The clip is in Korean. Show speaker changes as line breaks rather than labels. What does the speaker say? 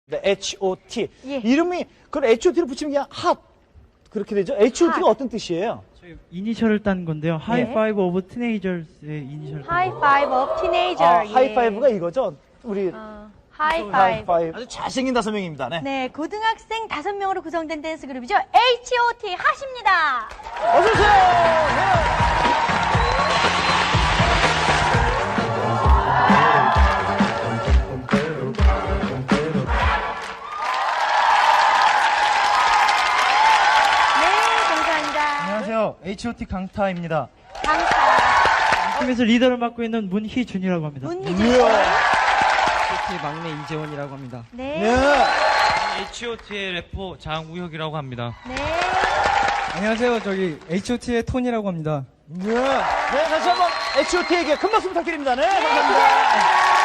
네, H.O.T.
예.
이름이, 그걸 H.O.T를 붙이면 그냥 핫. 그렇게 되죠? H.O.T가 어떤 뜻이에요?
저희 이니셜을 딴 건데요. 하이파이브 오브 티네이저스의 이니셜.
하이파이브 오브 티네이저. 예.
하이파이브가 이거죠? 우리
하이파이브.
하이파이브. 아주 잘생긴 5명입니다. 네.
네, 고등학생 5명으로 구성된 댄스 그룹이죠. H.O.T. 핫입니다.
어서오세요! 네.
안녕하세요. H.O.T 강타입니다.
강타.
팀에서 리더를 맡고 있는 문희준이라고 합니다.
문희준.
H.O.T 막내 이재원이라고 합니다.
네.
네.
H.O.T의 래퍼 장우혁이라고 합니다.
네.
안녕하세요. 저기 H.O.T의 톤이라고 합니다.
네. 네, 다시 한번 H.O.T에게 큰 박수 부탁드립니다. 네, 감사합니다.